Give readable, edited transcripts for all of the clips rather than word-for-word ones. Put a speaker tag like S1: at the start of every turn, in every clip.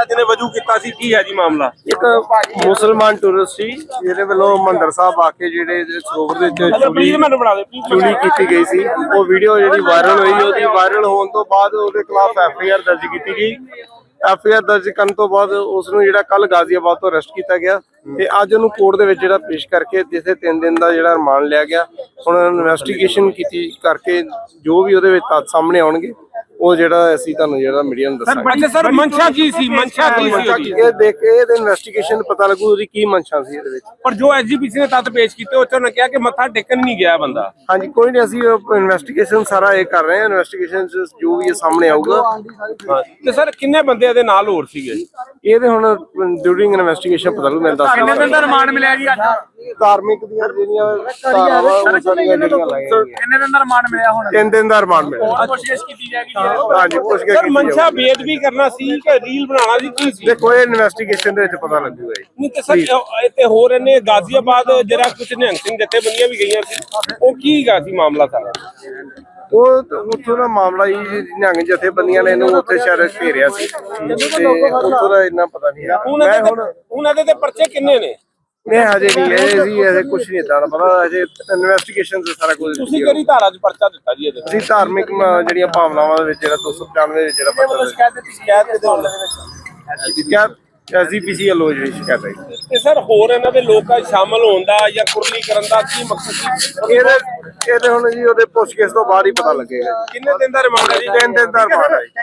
S1: ਕੀਤਾ ਜਿਹਨੇ ਵਜੂ ਕੀਤਾ ਸੀ, ਕੀ ਹੈ ਜੀ ਮਾਮਲਾ?
S2: ਇੱਕ ਮੁਸਲਮਾਨ ਟੂਰਿਸਟ ਸੀ ਜਿਹਦੇ ਵੱਲੋਂ ਮੰਦਰ ਸਾਹਿਬ ਆ ਕੇ ਜਿਹੜੇ ਸਰੋਵਰ ਦੇ ਵਿੱਚ ਚੋਰੀ ਕੀਤੀ ਗਈ ਸੀ। ਉਹ ਵੀਡੀਓ ਜਿਹੜੀ ਵਾਇਰਲ ਹੋਈ, ਉਹਦੀ ਵਾਇਰਲ ਹੋਣ ਤੋਂ ਬਾਅਦ ਉਹਦੇ ਖਿਲਾਫ ਐਫਆਈਆਰ ਦਰਜ ਕੀਤੀ ਗਈ। ਐਫਆਈਆਰ ਦਰਜ ਕਰਨ ਤੋਂ ਬਾਅਦ ਉਸ ਨੂੰ ਜਿਹੜਾ ਕੱਲ ਗਾਜ਼ੀਆਬਾਦ ਤੋਂ ਅਰੈਸਟ ਕੀਤਾ ਗਿਆ ਤੇ ਅੱਜ ਉਹਨੂੰ ਕੋਰਟ ਦੇ ਵਿੱਚ ਜਿਹੜਾ ਪੇਸ਼ ਕਰਕੇ ਜਿੱਥੇ 3 ਦਿਨ ਦਾ ਜਿਹੜਾ ਰਿਮਾਂਡ ਲਿਆ ਗਿਆ। ਹੁਣ ਇਨਵੈਸਟੀਗੇਸ਼ਨ ਕੀਤੀ ਕਰਕੇ ਜੋ ਵੀ ਉਹਦੇ ਵਿੱਚ ਤੱਥ ਸਾਹਮਣੇ ਆਉਣਗੇ ਉਹ ਜਿਹੜਾ ਅਸੀਂ ਤੁਹਾਨੂੰ ਜਿਹੜਾ ਮੀਡੀਆ ਨੂੰ ਦੱਸਾਂਗੇ।
S1: ਸਰ ਮਨਸ਼ਾ ਕੀ ਸੀ? ਮਨਸ਼ਾ ਕੀ ਸੀ?
S2: ਇਹ ਦੇਖ ਕੇ ਇਹਦੇ ਇਨਵੈਸਟੀਗੇਸ਼ਨ ਪਤਾ ਲੱਗੂ ਉਹਦੀ ਕੀ ਮਨਸ਼ਾ ਸੀ ਇਹਦੇ ਵਿੱਚ।
S1: ਪਰ ਜੋ ਐਸਜੀਪੀਸੀ ਨੇ ਤੱਥ ਪੇਸ਼ ਕੀਤੇ ਉਹ 'ਚ ਉਹਨੇ ਕਿਹਾ ਕਿ ਮੱਥਾ ਟੇਕਣ ਨਹੀਂ ਗਿਆ ਬੰਦਾ।
S2: ਹਾਂਜੀ, ਕੋਈ ਨਹੀਂ, ਅਸੀਂ ਇਨਵੈਸਟੀਗੇਸ਼ਨ ਸਾਰਾ ਇਹ ਕਰ ਰਹੇ ਹਾਂ। ਇਨਵੈਸਟੀਗੇਸ਼ਨ ਜੋ ਵੀ ਇਹ ਸਾਹਮਣੇ ਆਊਗਾ।
S1: ਤੇ ਸਰ ਕਿੰਨੇ ਬੰਦੇ ਇਹਦੇ ਨਾਲ ਹੋਰ ਸੀਗੇ?
S2: ਇਹਦੇ ਹੁਣ ਡਿਊਰਿੰਗ ਇਨਵੈਸਟੀਗੇਸ਼ਨ ਪਤਾ ਲੱਗੂ। ਮੈਂ ਦੱਸ
S1: ਕਿੰਨੇ ਦਿਨ ਦਾ ਰਿਮਾਂਡ ਮਿਲਿਆ ਜੀ ਅੱਜ?
S2: ਧਾਰਮਿਕ ਦੀਆਂ ਜਿਹੜੀਆਂ ਧਾਰਾਵਾਂ ਉਹ ਸਾਰੀਆਂ ਜਿਹੜੀਆਂ ਲਾਈਆਂ।
S1: ਕਿੰਨੇ ਦਿਨ ਦਾ ਰਿਮਾਂਡ ਮਿਲਿਆ ਹੁਣ?
S2: 3 ਦਿਨ ਦਾ ਰਿਮਾਂਡ ਮਿਲਿਆ।
S1: ਕੋਸ਼ਿਸ਼ ਕੀਤੀ ਜਾਏਗੀ।
S2: ਹਾਂਜੀ, ਪੁੱਛ ਕੇ
S1: ਸਰ ਮਨਸ਼ਾ ਬੇਅਦਬੀ ਕਰਨਾ ਸੀ ਕਿ ਰੀਲ ਬਣਾਉਣਾ ਸੀ, ਕੀ ਸੀ?
S2: ਦੇਖੋ ਇਹ ਇਨਵੈਸਟੀਗੇਸ਼ਨ ਦੇ ਵਿੱਚ ਪਤਾ ਲੱਗੂਗਾ ਜੀ।
S1: ਨਹੀਂ ਤੇ ਸਰ ਤੇ ਹੋਰ ਇਹਨੇ ਗਾਜ਼ੀਆਬਾਦ ਜਿਹੜਾ ਕੁਝ ਨਿਹੰਗ ਸਿੰਘ ਜਥੇਬੰਦੀਆਂ ਵੀ ਗਈਆਂ ਸੀ, ਉਹ ਕੀ ਗਾ ਸੀ ਮਾਮਲਾ ਸਾਰਾ?
S2: ਉਹ ਉੱਥੋਂ ਦਾ ਮਾਮਲਾ ਜੀ, ਨਿਹੰਗ ਜਥੇਬੰਦੀਆਂ ਨੇ ਇਹਨੂੰ ਉੱਥੇ ਸ਼ਾਇਦ ਘੇਰਿਆ ਸੀ ਤੇ ਉੱਥੋਂ ਦਾ ਇੰਨਾ ਪਤਾ ਨਹੀਂ ਹੈ। ਮੈਂ
S1: ਹੁਣ ਇਹਦੇ ਤੇ ਪਰਚੇ ਕਿੰਨੇ ਨੇ?
S2: ਨਹੀਂ ਹਜੇ ਨਹੀਂ, ਇਹ ਸੀ ਅਜੇ ਕੁਝ ਨਹੀਂ ਏਦਾਂ ਦਾ ਪਤਾ। ਅਜੇ ਇਨਵੈਸਟੀਗੇਸ਼ਨ ਤੇ ਸਾਰਾ ਕੁਝ।
S1: ਤੁਸੀਂ ਕਿਹੜੀ ਧਾਰਾ 'ਚ ਪਰਚਾ ਦਿੱਤਾ ਜੀ ਇਹਦੇ?
S2: ਅਸੀਂ ਧਾਰਮਿਕ ਜਿਹੜੀਆਂ ਭਾਵਨਾਵਾਂ ਦੇ ਵਿੱਚ ਜਿਹੜਾ 295 ਵਿੱਚ ਜਿਹੜਾ ਪਰਚਾ ਸ਼ਿਕਾਇਤ ਐਸਜੀਪੀਸੀ ਵੱਲੋਂ ਜਿਹੜੀ ਸ਼ਿਕਾਇਤ ਹੈ।
S1: ਤੇ ਸਰ ਹੋਰ ਇਹਨਾਂ ਦੇ ਲੋਕਾਂ 'ਚ ਸ਼ਾਮਲ ਹੋਣ ਦਾ ਜਾਂ ਕੁਰਲੀ ਕਰਨ ਦਾ ਕੀ ਮਕਸਦ ਸੀ?
S2: ਇਹਦੇ ਹੁਣ ਜੀ ਉਹਦੇ ਪੁੱਛਗਿੱਛ ਤੋਂ ਬਾਅਦ ਹੀ ਪਤਾ ਲੱਗੇਗਾ।
S1: ਕਿੰਨੇ ਦਿਨ ਦਾ ਰਿਮਾਂਡ ਹੈ ਜੀ?
S2: 3 ਦਿਨ ਦਾ ਰਿਮਾਂਡ ਹੈ।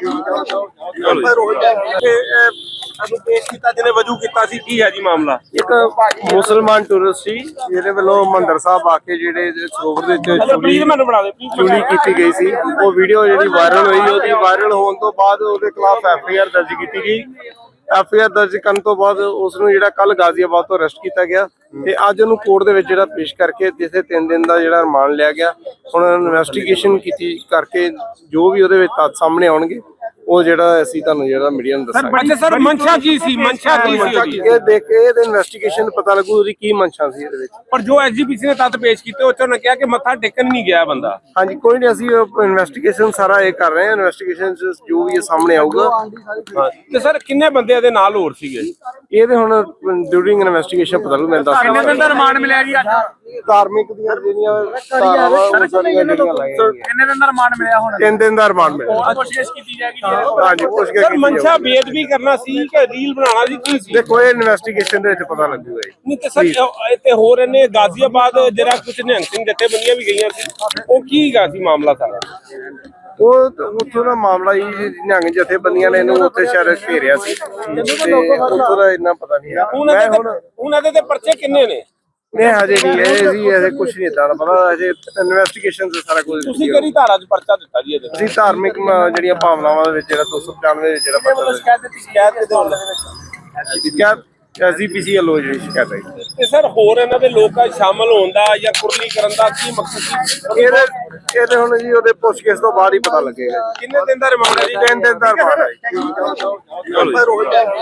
S1: ਅਸੀਂ ਪੇਸ਼ ਕੀਤਾ ਜਿਹਨੇ ਵਜੂ ਕੀਤਾ ਸੀ, ਕੀ ਹੈ ਜੀ ਮਾਮਲਾ?
S2: ਇੱਕ ਮੁਸਲਮਾਨ ਟੂਰਿਸਟ ਸੀ ਜਿਹਦੇ ਵੱਲੋਂ ਮੰਦਰ ਸਾਹਿਬ ਆ ਕੇ ਜਿਹੜੇ ਸਰੋਵਰ ਦੇ ਵਿੱਚ ਚੋਰੀ ਕੀਤੀ ਗਈ ਸੀ। ਉਹ ਵੀਡੀਓ ਜਿਹੜੀ ਵਾਇਰਲ ਹੋਈ, ਉਹਦੀ ਵਾਇਰਲ ਹੋਣ ਤੋਂ ਬਾਅਦ ਉਹਦੇ ਖਿਲਾਫ ਐਫਆਈਆਰ ਦਰਜ ਕੀਤੀ ਗਈ। ਐਫਆਈਆਰ ਦਰਜ ਕਰਨ ਤੋਂ ਬਾਅਦ ਉਸ ਨੂੰ ਜਿਹੜਾ ਕੱਲ ਗਾਜ਼ੀਆਬਾਦ ਤੋਂ ਅਰੈਸਟ ਕੀਤਾ ਗਿਆ ਤੇ ਅੱਜ ਉਹਨੂੰ ਕੋਰਟ ਦੇ ਵਿੱਚ ਜਿਹੜਾ ਪੇਸ਼ ਕਰਕੇ ਜਿੱਥੇ 3 ਦਿਨ ਦਾ ਜਿਹੜਾ ਰਿਮਾਂਡ ਲਿਆ ਗਿਆ। ਹੁਣ ਇਨਵੈਸਟੀਗੇਸ਼ਨ ਕੀਤੀ ਕਰਕੇ ਜੋ ਵੀ ਉਹਦੇ ਵਿੱਚ ਤੱਥ ਸਾਹਮਣੇ ਆਉਣਗੇ ਉਹ ਜਿਹੜਾ ਅਸੀਂ ਤੁਹਾਨੂੰ ਜਿਹੜਾ ਮੀਡੀਆ ਨੂੰ ਦੱਸਾਂਗੇ।
S1: ਸਰ ਮਨਸ਼ਾ ਕੀ ਸੀ? ਮਨਸ਼ਾ ਕੀ ਸੀ?
S2: ਇਹ ਦੇਖ ਕੇ ਇਹਦੇ ਇਨਵੈਸਟੀਗੇਸ਼ਨ ਪਤਾ ਲੱਗੂ ਉਹਦੀ ਕੀ ਮਨਸ਼ਾ ਸੀ ਇਹਦੇ ਵਿੱਚ।
S1: ਪਰ ਜੋ ਐਸਜੀਪੀਸੀ ਨੇ ਤੱਥ ਪੇਸ਼ ਕੀਤੇ ਉਹ 'ਚ ਉਹਨੇ ਕਿਹਾ ਕਿ ਮੱਥਾ ਟੇਕਣ ਨਹੀਂ ਗਿਆ ਬੰਦਾ।
S2: ਹਾਂਜੀ, ਕੋਈ ਨਹੀਂ, ਅਸੀਂ ਇਨਵੈਸਟੀਗੇਸ਼ਨ ਸਾਰਾ ਇਹ ਕਰ ਰਹੇ ਹਾਂ। ਇਨਵੈਸਟੀਗੇਸ਼ਨ ਜੋ ਵੀ ਇਹ ਸਾਹਮਣੇ ਆਊਗਾ।
S1: ਤੇ ਸਰ ਕਿੰਨੇ ਬੰਦੇ ਇਹਦੇ ਨਾਲ ਹੋਰ ਸੀਗੇ?
S2: ਇਹਦੇ ਹੁਣ ਡਿਊਰਿੰਗ ਇਨਵੈਸਟੀਗੇਸ਼ਨ ਪਤਾ ਲੱਗੂ। ਮੈਂ ਦੱਸ
S1: ਕਿੰਨੇ ਦਿਨ ਦਾ ਰਿਮਾਂਡ ਮਿਲਿਆ ਜੀ ਅੱਜ?
S2: ਧਾਰਮਿਕ ਦੀਆਂ ਜਿਹੜੀਆਂ ਧਾਰਾਵਾਂ ਉਹ ਸਾਰੀਆਂ ਜਿਹੜੀਆਂ ਲਾਈਆਂ।
S1: ਕਿੰਨੇ ਦਿਨ ਦਾ ਰਿਮਾਂਡ ਮਿਲਿਆ ਹੁਣ?
S2: 3 ਦਿਨ ਦਾ ਰਿਮਾਂਡ ਮਿਲਿਆ।
S1: ਕੋਸ਼ਿਸ਼ ਕੀਤੀ ਜਾਏਗੀ।
S2: ਹਾਂਜੀ, ਪੁੱਛ ਕੇ
S1: ਸਰ ਮਨਸ਼ਾ ਬੇਅਦਬੀ ਕਰਨਾ ਸੀ ਕਿ ਰੀਲ ਬਣਾਉਣਾ ਸੀ, ਕੀ ਸੀ?
S2: ਦੇਖੋ ਇਹ ਇਨਵੈਸਟੀਗੇਸ਼ਨ ਦੇ ਵਿੱਚ ਪਤਾ ਲੱਗੂਗਾ ਜੀ।
S1: ਨਹੀਂ ਤੇ ਸਰ ਤੇ ਹੋਰ ਇਹਨੇ ਗਾਜ਼ੀਆਬਾਦ ਜਿਹੜਾ ਕੁਝ ਨਿਹੰਗ ਸਿੰਘ ਜਥੇਬੰਦੀਆਂ ਵੀ ਗਈਆਂ ਸੀ, ਉਹ ਕੀ ਗਾ ਸੀ ਮਾਮਲਾ ਸਾਰਾ?
S2: ਉਹ ਉੱਥੋਂ ਦਾ ਮਾਮਲਾ ਜੀ, ਨਿਹੰਗ ਜਥੇਬੰਦੀਆਂ ਨੇ ਇਹਨੂੰ ਉੱਥੇ ਸ਼ਾਇਦ ਘੇਰਿਆ ਸੀ ਤੇ ਉੱਥੋਂ ਦਾ ਇੰਨਾ ਪਤਾ ਨਹੀਂ ਹੈ।
S1: ਹੁਣ ਇਹਦੇ ਤੇ ਪਰਚੇ ਕਿੰਨੇ ਨੇ?
S2: ਨਹੀਂ ਹਜੇ ਨਹੀਂ, ਇਹ ਸੀ ਅਜੇ ਕੁਝ ਨਹੀਂ ਏਦਾਂ ਦਾ ਪਤਾ। ਅਜੇ ਇਨਵੈਸਟੀਗੇਸ਼ਨ ਤੇ ਸਾਰਾ ਕੁਝ।
S1: ਤੁਸੀਂ ਕਿਹੜੀ ਧਾਰਾ 'ਚ ਪਰਚਾ ਦਿੱਤਾ ਜੀ ਇਹਦੇ?
S2: ਅਸੀਂ ਧਾਰਮਿਕ ਜਿਹੜੀਆਂ ਭਾਵਨਾਵਾਂ ਦੇ ਵਿੱਚ ਜਿਹੜਾ 295 ਵਿੱਚ ਜਿਹੜਾ ਪਰਚਾ ਸ਼ਿਕਾਇਤ ਐਸਜੀਪੀਸੀ ਵੱਲੋਂ ਜਿਹੜੀ ਸ਼ਿਕਾਇਤ ਹੈ।
S1: ਤੇ ਸਰ ਹੋਰ ਇਹਨਾਂ ਦੇ ਲੋਕਾਂ 'ਚ ਸ਼ਾਮਲ ਹੋਣ ਦਾ ਜਾਂ ਕੁਰਲੀ ਕਰਨ ਦਾ ਕੀ ਮਕਸਦ ਸੀ?
S2: ਇਹਦੇ ਹੁਣ ਜੀ ਉਹਦੇ ਪੁੱਛਗਿੱਛ ਤੋਂ ਬਾਅਦ ਹੀ ਪਤਾ ਲੱਗੇਗਾ।
S1: ਕਿੰਨੇ ਦਿਨ ਦਾ ਰਿਮਾਂਡ ਹੈ ਜੀ?
S2: 3 ਦਿਨ ਦਾ ਰਿਮਾਂਡ ਹੈ।